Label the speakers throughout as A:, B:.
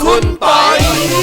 A: คุณปอย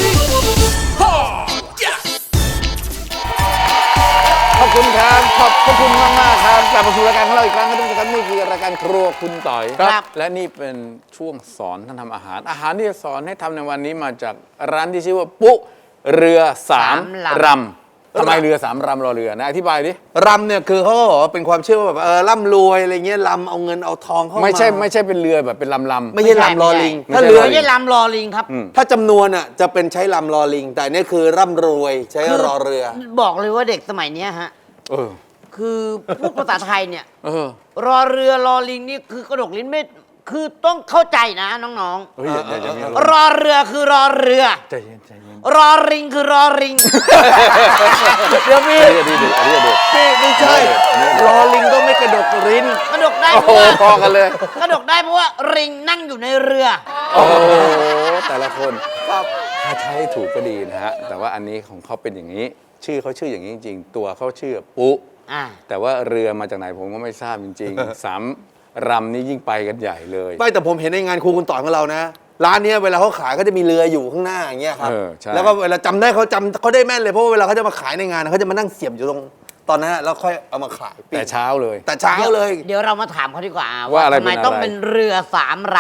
A: ขอบคุณครับขอบคุณมากๆครับกลับมาสู่รายการของเราอีกครั้งครับทุกท่านนี่คือรายการครัวคุณต่อยครับและนี่เป็นช่วงสอนท่านทำอาหารที่จะสอนให้ทำในวันนี้มาจากร้านที่ชื่อว่าปุ๊เรือสามรำทำไมเรือสามรำรอเรือนะอธิบายดิ
B: รำเนี่ยคือเขาบอกว่าเป็นความเชื่อว่าแบบร่ำรวยอะไรเงี้ยรำเอาเงินเอาทองเข้ามา
A: ไม่ใช่เป็นเรือแบบเป็นลำ
B: ไม่ใช่รำรอลิง
C: ถ้าเรือไม่ใช่ลำรอลิงครับ
B: ถ้าจำนวนอ่ะจะเป็นใช้ลำรอลิงแต่นี่คือร่ำรวยใช้รอเรือ
C: บอกเลยว่าเด็กสมัยนี้ฮะคือพูดภาษาไทยเนี่ยรอเรือรอลิงนี่คือกระดกลิ้นไม่คือต้องเข้าใจนะน้องๆรอเรือคือรอเรือ
A: ใจเย็น
C: รอริงคือรอริง
B: เดี๋ยวพี่ไม่ใช่รอลิงต้องไม่กระดกลิ้น
C: กระดกได้เพราะว่าพอกันเลยกระดกได้เพราะว่าริงนั่งอยู่ในเรือ
A: โอ้แต่ละคนถ้าใช้ถูกก็ดีนะฮะแต่ว่าอันนี้ของเขาเป็นอย่างนี้ชื่อเขาชื่ออย่างนี้จริงๆตัวเขาชื่อปุ๊แต่ว่าเรือมาจากไหนผมก็ไม่ทราบจริงๆสามรำนี่ยิ่งไปกันใหญ่เลย
B: ไม่แต่ผมเห็นในงานครูคุณต่อยของเรานะร้านนี้เวลาเขาขายก็จะมีเรืออยู่ข้างหน้าอย่างเงี้ยครับแล้วก็เวลาจำได้เขาได้แม่นเลยเพราะว่าเวลาเขาจะมาขายในงานเขาจะมานั่งเสียบอยู่ตรงตอนนั้นแล้วค่อยเอามาขาย
A: แต่เช้าเลย
C: เดี๋ยวเรามาถามเขาดีกว่าว่าทำไมต้องเป็นเรือสามร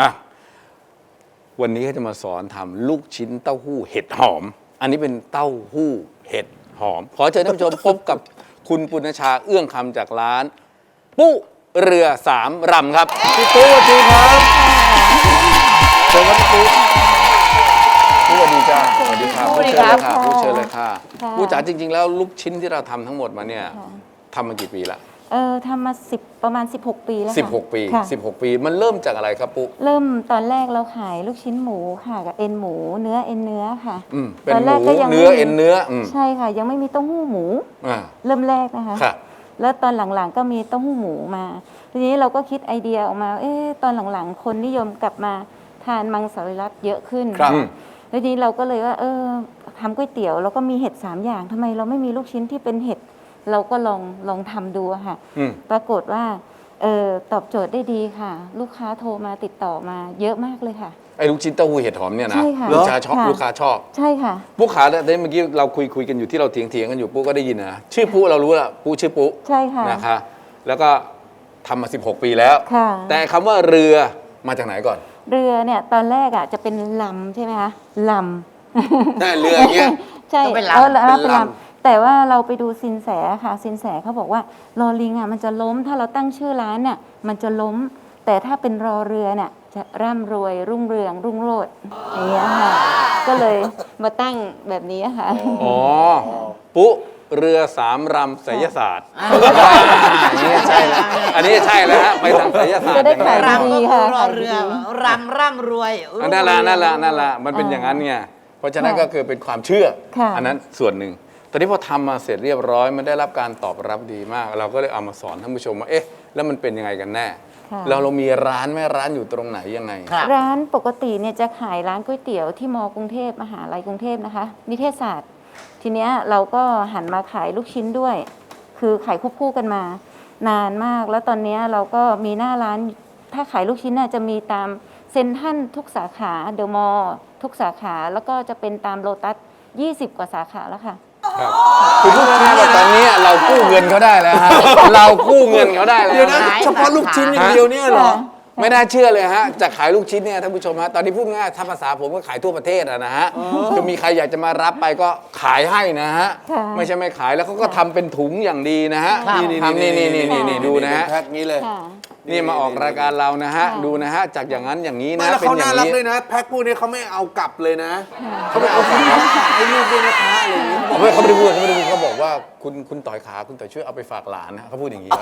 A: ำวันนี้เขาจะมาสอนทำลูกชิ้นเต้าหู้เห็ดหอมอันนี้เป็นเต้าหู้เห็ดหอมขอเชิญท่านผู้ชมพบกับคุณปุณชาเอื้องคำจากร้านปุ๊เรือสามรำครับพี่ปุ๊สวัสดีครับเชิญครับพี่ปุ๊สวัสดีจ้าสวัสดีครับผู้เชิญเลยค่ะผู้เชิญเลยค่ะผู้จ๋าจริงๆแล้วลูกชิ้นที่เราทำทั้งหมดมาเนี่ยทำมากี่ปีละ
D: ทำมาประมาณ16 ปีแล้ว
A: ค่ะ16 ปีมันเริ่มจากอะไรครับปุ๊
D: เริ่มตอนแรกเราขายลูกชิ้นหมูค่ะกับเอ็นหมูเนื้อค่ะ
A: เป็นหมูเนื้อเอ็นเนื้อ
D: ใช่ค่ะยังไม่มีเต้าหู้หมูเริ่มแรกนะคะแล้วตอนหลังๆก็มีเต้าหู้หมูมาทีนี้เราก็คิดไอเดียออกมาตอนหลังๆคนนิยมกลับมาทานมังสวิรัติเยอะขึ้นแล้วทีนี้เราก็เลยว่าทำก๋วยเตี๋ยวแล้วก็มีเห็ด3อย่างทำไมเราไม่มีลูกชิ้นที่เป็นเห็ดเราก็ลองทำดูค่ะปรากฏว่าตอบโจทย์ได้ดีค่ะลูกค้าโทรมาติดต่อมาเยอะมากเลยค่ะ
A: ไอ้ลูกชิ้นเต้าหู้เห็ดหอมเนี่ยนะลูกค้าชอบ
D: ใช่ค่ะ
A: ปุ๊ขาเมื่อกี้เราคุยกันอยู่ที่เราเถียงกันอยู่ปุ๊ก็ได้ยินนะชื่อปุ๊เรารู้ละปุ๊ชื่อปุ๊
D: ใช่ค่ะ
A: นะคะแล้วก็ทำมา16 ปีแล้วแต่คำว่าเรือมาจากไหนก่อน
D: เรือเนี่ยตอนแรกอ่ะจะเป็นลำใช่ไหมคะล
B: ำแต่เรืออย่างเงี้ย
D: ใช่เป็นลำแต่ว่าเราไปดูสินแสค่ะสินแสเขาบอกว่าลอลิงอ่ะมันจะล้มถ้าเราตั้งชื่อร้านเนี่ยมันจะล้มแต่ถ้าเป็นรอเรือเนี่ยจะร่ำรวยรุ่งเรืองรุ่งโรจน์อย่างเงี้ยค่ะก็เลยมาตั้งแบบนี้ค่ะ
A: อ๋อปุ๊เรือสามรำไสยศาสตร์อันนี้ใช่แล้วอันนี้ใช่แล้วฮะไปทางไสยศาสตร์
D: จะได้ขายดีค่ะ
C: รอเรือร่ำรวย
A: นั่นแหละมันเป็นอย่างนั้นไงเพราะฉะนั้นก็คือเป็นความเชื่ออันนั้นส่วนหนึ่งตอนนี้พอทำมาเสร็จเรียบร้อยมันได้รับการตอบรับดีมากเราก็เลยเอามาสอนท่านผู้ชมว่าแล้วมันเป็นยังไงกันแน่เรามีร้านไหมร้านอยู่ตรงไหนยังไง
D: ร้านปกติเนี่ยจะขายร้านก๋วยเตี๋ยวที่มกรุงเทพมหาลัยกรุงเทพนะคะนิเทศศาสตร์ทีเนี้ยเราก็หันมาขายลูกชิ้นด้วยคือขายควบคู่กันมานานมากแล้วตอนนี้เราก็มีหน้าร้านถ้าขายลูกชิ้นน่ะจะมีตามเซ็นทรัลทุกสาขาเดอะมอลล์ทุกสาขาแล้วก็จะเป็นตามโลตัส20 กว่าสาขาแล้วค่ะ
A: คือพูดง่ายๆว่าตอนนี้เรากู้เงินเขาได้แล้วฮะเรากู้เงินเขาได้แล้วนะ
B: เฉพาะลูกชิ้นอย่างเดียวเนี่ยเหรอ
A: ไม่น่าเชื่อเลยฮะจะขายลูกชิ้นเนี่ยท่านผู้ชมฮะตอนนี้พูดง่ายถ้าภาษาผมก็ขายทั่วประเทศนะฮะคือมีใครอยากจะมารับไปก็ขายให้นะฮะไม่ใช่ไม่ขายแล้วเขาก็ทำเป็นถุงอย่างดีนะฮะนี่ดูนะฮะ
B: แพ็คนี้เลย
A: นี่มาออกรายการเรานะฮะดูนะฮะจากอย่างนั้นอย่างนี้นะ
B: เป็นอย่างนี้เขาน่ารักเลยนะแพ็คพวกนี้เขาไม่เอากลับเลยนะเขาไม่เอากลับให้ลูกด้วยนะคะอะไรอย่างนี้
A: เขาไม่ได้พูดเขาบอกว่าคุณต่อยขาคุณต่อยช่วยเอาไปฝากหลานนะเขาพูดอย่างนี้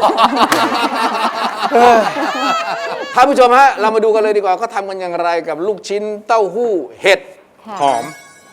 A: ท่านผู้ชมฮะเรามาดูกันเลยดีกว่าเขาทำกันอย่างไรกับลูกชิ้นเต้าหู้เห็ดหอม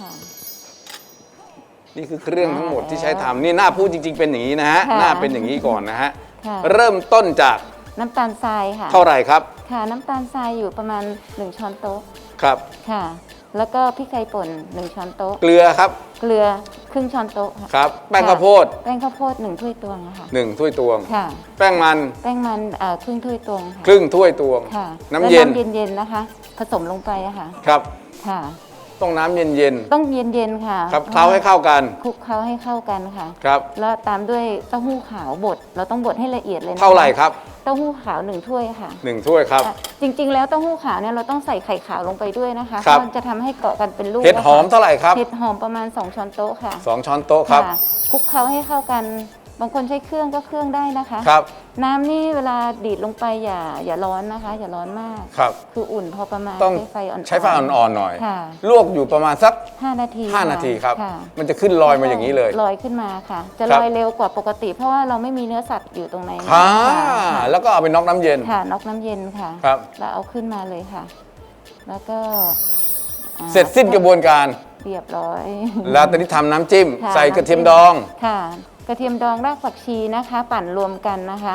A: นี่คือเครื่องทั้งหมดที่ใช้ทำนี่หน้าพูดจริงๆเป็นอย่างนี้นะฮะหน้าเป็นอย่างนี้ก่อนนะฮะเริ่มต้นจาก
D: น้ำตาลทรายค่ะ
A: เท่าไหร่ครับ
D: ค่ะน้ำตาลทรายอยู่ประมาณ1 ช้อนโต๊ะ
A: ครับ
D: ค่ะแล้วก็พริกไทยป่น1 ช้อนโต๊ะ
A: เกลือครับ
D: เกลือครึ่งช้อนโต๊ะ
A: ครับแป้งข้าวโพด
D: 1 ถ้วยตวงค่ะ
A: 1 ถ้วยตวง
D: ค่ะ
A: แป้งมัน
D: ครึ่งถ้วยตวงค่ะ
A: ครึ่งถ้วยตวง
D: ค่ะ
A: น้ำเย็น
D: เย็นๆนะคะผสมลงไปอะค่ะ
A: ครับ
D: ค่ะ
A: ต้องน้ำเย็น
D: ต้องเย็นๆค่ะ
A: ๆครับเคล้าให้เข้ากัน
D: คลุกเคล้าให้เข้ากันค่ะ
A: ครับ
D: แล้วตามด้วยเต้าหู้ขาวบดเราต้องบดให้ละเอียดเลยนะคะ
A: เท่าไหร่ครับ
D: เต้าหู้ขาว1 ถ้วยค่ะ
A: 1 ถ้วยครับ
D: ค่ะจริงๆ แล้วเต้าหู้ขาวเนี่ยเราต้องใส่ไข่ขาวลงไปด้วยนะคะ
A: ครับ
D: เพราะมันจะทำให้เกาะกันเป็นลูก
A: เห็ดหอม
D: นะคะ
A: เท่าไหร่ครับ
D: เห็ดหอมประมาณ2 ช้อนโต๊ะค่ะ
A: 2 ช้อนโต๊ะครับ
D: ค่ะคลุกเคล้าให้เข้ากัน บางคนใช้เครื่องก็เครื่องได้นะคะ
A: ครับ
D: น้ำนี่เวลาดีดลงไปอย่าร้อนนะคะ อย่าร้อนมาก
A: ครับ
D: คืออุ่นพอประมาณ
A: ต้อง
D: ใช้ไฟอ่อนๆ
A: ใช้ไฟอ่อนๆหน่อย
D: ค่ะ
A: ลวกอยู่ประมาณสัก
D: 5 นาที
A: 5 นาทีครับ
D: ค่ะ
A: มันจะขึ้นลอยมาอย่างนี้เลย
D: ลอยขึ้นมาค่ะ จะ
A: ครั
D: ล
A: บ
D: อยเร็วกว่าปกติ เพราะว่าเราไม่มีเนื้อสัตว์อยู่ตรงในนั้น
A: อ่า
D: ค่ะ
A: แล้วก็เอาไปน็อกน้ำเย็น
D: ค่ะน็อกน้ำเย็นค่ะ
A: ครับ
D: แล้วเอาขึ้นมาเลยค่ะ แล้วก็
A: เสร็จสิ้นกระบวนการ
D: เรียบร้อย
A: แล้วตอนนี้ทำน้ำจิ้ม
D: ค่ะ
A: ใส่กระเทียมดอง
D: ค่ะ กระเทียมดองรากผักชีนะคะ ปั่นรวมกันนะคะ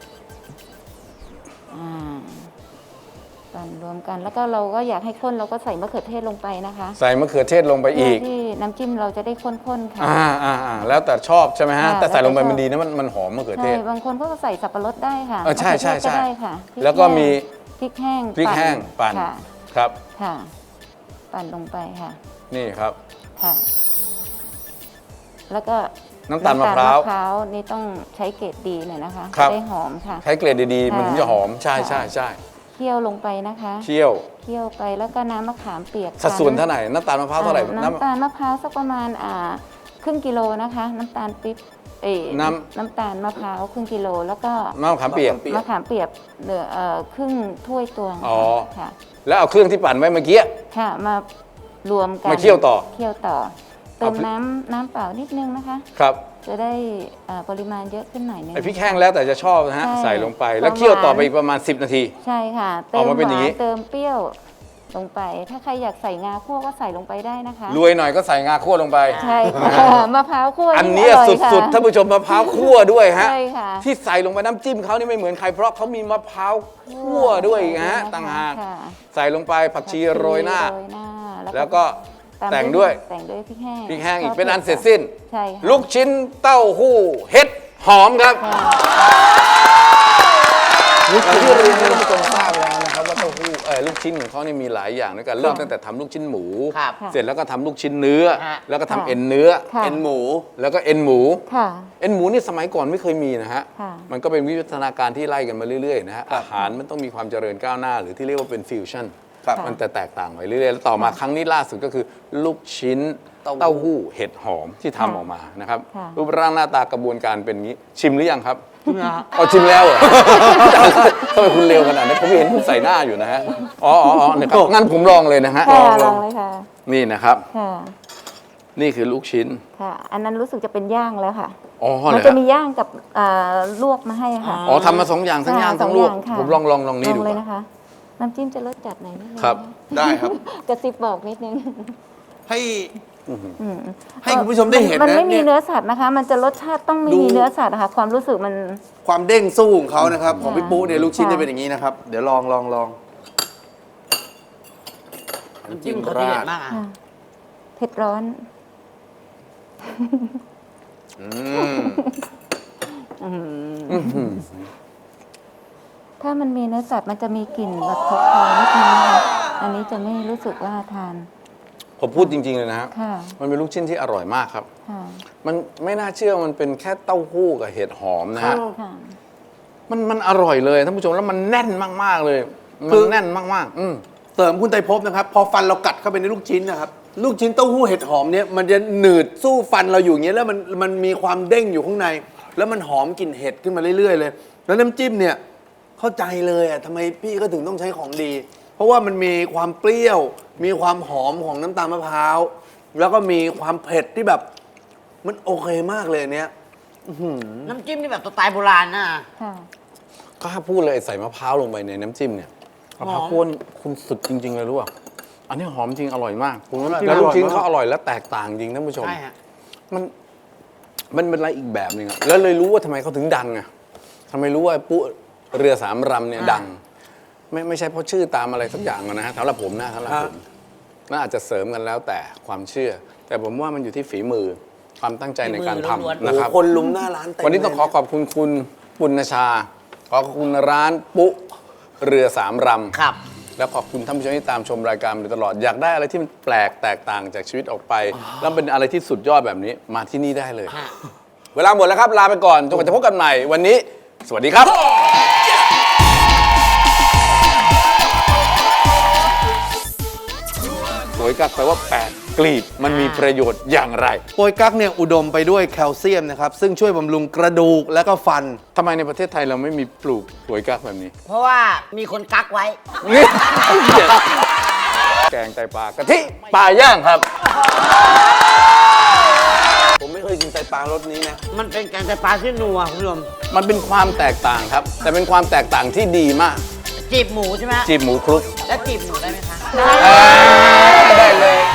D: อ่าปั่นรวมกันแล้วก็เราก็อยากให้ข้นเราก็ใส่มะเขือเทศลงไปนะคะ
A: ใส่มะเขือเทศลงไปอีก
D: เพื่ที่น้ำจิ้มเราจะได้ข้นๆค่ะ
A: แล้วแต่ชอบใช่ไหมฮะ
D: ค่ะ
A: แต่ใส่ลงไป
D: แล้วแต่ชอบ
A: มันดีนะมันหอมมะเขือเท
D: ใช่
A: ศ
D: บางคนก็ใส่สับปะรดได้ค่ะ
A: ใช่ใช่
D: มะเขือเทศก็
A: ใช่
D: ได้ค่ะพริ
A: แล้วก็มี
D: พริกแห้ง
A: พริกแห้งปั่น
D: ค่ะ
A: ครับ
D: ค่ะ ปั่นลงไปค่ะ
A: นี่ครับ
D: ค่ะ แล้วก็
A: น้ำตาลมะพร้าว
D: น้ำตลมะพร้าวนี่ต้องใช้เกรดดีหน่อยนะคะ
A: ครับ
D: จะได้หอมค่ะ
A: ใช้เกรดดีๆ มันถึงจะหอม ใช่
D: ค่ะ
A: ใช่ใช่
D: เคี่ยวลงไปนะคะ
A: เคี่ยว
D: เคี่ยวไปแล้วก็น้ำมะขามเปียก
A: สัดส่วนเท่าไหร่น้ำตาลมะพร้าวเท่าไหร่
D: น้ำตาลมะพร้าวสักประมาณครึ่งกิโลนะคะ น้ำตาลปิ๊บน้ำตาลมะพร้าวครึ่งกิโลแล้วก็
A: มะขามเปียก
D: มะขามเปียกเหลือครึ่งถ้วยตวง
A: อ๋อ
D: ค่ะ
A: แล้วเอาเครื่องที่ปั่นไว้เมื่อกี้
D: ค่ะมารวมกัน
A: มาเคี่ยวต่อ
D: เคี่ยวต่อเติ
A: เอา
D: ม
A: พริก
D: น้ำเปล่านิดนึงนะคะ
A: ครับ
D: จะได้ปริมาณเยอะขึ้นหน่อยนึง
A: ไอพริกแห้งแล้วแต่จะชอบนะฮะ
D: ใช่
A: ใส่ลงไป แล้วเคี่ยวต่อไปอีกประมาณ 10 นาที
D: ใช่ค่ะ เติ
A: ออก
D: ม
A: มา
D: ห
A: เป็นอย่าง
D: วา
A: นี้
D: นเติมเปรี้ยวลงไป ถ้าใครอยากใส่งาคั่วก็ใส่ลงไปได้นะคะ
A: รวยหน่อยก็ใส่งาคั่วลงไป
D: ใช่ค่ะมะพร้าวคั่ว
A: อันเนี้ย
D: ร่ยค่ะ
A: สุดๆท่านผู้ชมมะพร้าวคั่วด้วยฮะ
D: ใช่ค่ะ
A: ที่ใส่ลงไปน้ำจิ้มเขานี่ไม่เหมือนใครเพราะเขามีมะพร้าวคั่วด้วยอีกฮะต่างหาก
D: ค่ะ
A: ใส่ลงไปผักชีโรยหน้า
D: โรยหน้า
A: แล้วก็
D: ตาม
A: แต่งด้วย
D: แต่งด้วยพริกแห้ง
A: พริกแห้งอีก
D: ชบ
A: เป็นอัน
D: ผ็ด
A: เสร็จสิ้น
D: ใช่ค่ะ
A: ลูกชิ้นเต้าหู้เห็ดหอมครับอย่างที่เรียนให้ท่านผู้ชมทราบแล้วนะครับว่าเต้าหู้ลูกชิ้นของเขานี่มีหลายอย่างด้วยกันเริ่มตั้งแต่ทำลูกชิ้นหมู
C: ครับ
A: เสร็จแล้วก็ทำลูกชิ้นเนื้อ
C: ฮะ
A: แล้วก็ทำ
D: ค่ะ
A: เอ็นเนื้อ
D: ค่ะ
B: เอ็นหมู
A: แล้วก็เอ็นหมู
D: ค่ะ
A: เอ็นหมูนี่สมัยก่อนไม่เคยมีนะฮะ
D: ค่ะ
A: มันก็เป็นวิวัฒนาการที่ไล่กันมาเรื่อยๆนะฮะ อาหารมันต้องมีความเจริญก้าวหน้า หรือที่เรียกว่าเป็นฟิวชั่น
B: ครับ
A: มันแต่แตกต่างไปเรื่อยๆ แล้วต่อมาครั้งนี้ล่าสุดก็คือลูกชิ้นเต้าหู้เห็ดหอมที่ทำออกมานะครับ
D: ค่ะ
A: รูปร่างหน้าตากระบวนการเป็นอย่างนี้ ชิมหรือยังครับเอาชิมแล้วเหรอ ทำไมคุณเร็วขนาดนั้นผมเห็นคุณใส่หน้าอยู่นะฮะ อ๋อเนี่ยครับงั้นผมลองเลยนะฮะ
D: ค่ะลองเลยค่ะ
A: นี่นะครับ
D: ค่ะ
A: นี่คือลูกชิ้น
D: ค่ะ อันนั้นรู้สึกจะเป็นย่างแล้วค่ะ
A: อ๋อเห
D: มั
A: ร
D: น
A: อ
D: จะ
A: ฮะ
D: มีย่างกับลวกมาให้ค่ะ
A: อ๋อทำมา2 อย่างทั้งย่างทั้งลวก
D: สอค่ะ
A: ผมลองนี่ดู
D: เลย
A: ก่อน
D: นะคะ น้ำจิ้มจะรสจัดหน่อยนิดนึง
A: ครับ
B: ได้ครับ
D: กระซิบบอกนิดนึง
B: ให้
D: อืม
B: ให้คุณผู้ชมได้เห็น
D: มัน
B: นะ
D: ไม่มี
B: เนี่ย
D: เนื้อสัตว์นะคะ มันจะรสชาติต้องไม่
B: ดู
D: มีเนื้อสัตว์นะคะความรู้สึกมัน
B: ความเด้งสู้ของเขานะครับ ของพี่ปุ๊เนี่ยลูกชิ้น
D: ค่ะ
B: จะเป็นอย่างนี้นะครับ เดี๋ยวลอง
C: น้ำจิ้มเขาทีเด็ดมากอ่ะ
D: ค่ะเผ็ดร้อน
B: อืม
D: ถ้ามันมีเนื้อสัตว์มันจะมีกลิ่นแบบคาวๆนิดนึงนะคะอันนี้จะไม่รู้สึกว่าทาน
A: ผมพูดจริงๆเลยนะฮะ
D: ค่ะ
A: มันเป็นลูกชิ้นที่อร่อยมากครับ
D: ค่ะ
A: มันไม่น่าเชื่อมันเป็นแค่เต้าหู้กับเห็ดหอมนะฮะ
D: ค่ะ
A: มันอร่อยเลยท่านผู้ชมแล้วมันแน่นมากๆเลย
B: คื
A: มัน
B: อ
A: แน่นมากๆ
B: เสริมคุณไตรภพนะครับ พอฟันเรากัดเข้าไปในลูกชิ้นนะครับ ลูกชิ้นเต้าหู้เห็ดหอมเนี่ยมันจะหนืดสู้ฟันเราอยู่อย่างเงี้ยแล้วมันมีความเด้งอยู่ข้างใน แล้วมันหอมกลิ่นเห็ดขึ้นมาเรื่อยๆเลย แล้วน้ำจิ้มเนี่ยเข้าใจเลยอ่ะทำไมพี่ก็ถึงต้องใช้ของดี เพราะว่ามันมีความเปรี้ยว มีความหอมของน้ำตาลมะพร้าวแล้วก็มีความเผ็ดที่แบบมันโอเคมากเลยอันเนี้ย
C: น้ำจิ้มนี่แบบสไตล์โบราณนะ
D: ค่ะ
A: ก็ถ้าพูดเลยใส่มะพร้าวลงไปในน้ำจิ้มเนี่ยมะพร้าวคั่วนี่คุณสุดจริง ๆ เลยรู้ป่ะอันนี้หอมจริงอร่อยมาก
B: ผมว่า
A: แล้วลูกชิ้น
B: อร่อยมาก
A: เขาอร่อยและแตกต่างจริงท่านผู้ชม
C: ใช่ฮะ
A: มันเป็นอะไรอีกแบบหนึงอะแล้วเลยรู้ว่าทำไมเขาถึงดังอะทำไมรู้ว่าปุ๊เรือสามรำเนี่ยดัง ไม่ใช่เพราะชื่อตามอะไรสักอย่างอะนะฮะสำหรับผมนะสำหรับผมน่าอาจจะเสริมกันแล้วแต่ความเชื่อ แต่ผมว่ามันอยู่ที่ฝีมือความตั้งใจในการ
C: ฝีมือล้วน
A: ทำ
C: ๆ
A: นะครับ
B: โอ้โหคนลุมหน้าร้านเต็ม
A: วันนี้ต้อง
B: เลย
A: ขอขอบคุณคุณปุณณชา ขอขอบคุณร้านปุ๊เรือสามรำ
C: ครับ
A: แล้วขอบคุณท่านผู้ชมที่ตามชมรายการมาโดยตลอดอยากได้อะไรที่มันแปลกแตกต่างจากชีวิตออกไป แล้วเป็นอะไรที่สุดยอดแบบนี้มาที่นี่ได้เลย เวลาหมดแล้วครับลาไปก่อนจนกว่าจะพบกันใหม่วันนี้ สวัสดีครับโวยกักแปลว่า8กลีบมันมีประโยชน์อย่างไร
B: โปยกั๊กเนี่ยอุดมไปด้วยแคลเซียมนะครับ ซึ่งช่วยบำรุงกระดูกและก็ฟัน
A: ทำไมในประเทศไทยเราไม่มีปลูกโวยกักแบบนี้
C: เพราะว่ามีคนกักไว้
A: แกงไตปลากะทิปลาย่างครับ
B: ผมไม่เคยกินไตปลารสนี้นะ
C: มันเป็นแกงไตปลาที่นัวคุณผู้ชม
A: มันเป็นความแตกต่างครับ แต่เป็นความแตกต่างที่ดีมาก
C: จีบหมูใช่ไหมฮะ
A: จีบหมูคลุก
C: แล้วจีบหมูได้ไหมคะ
A: ได้เลย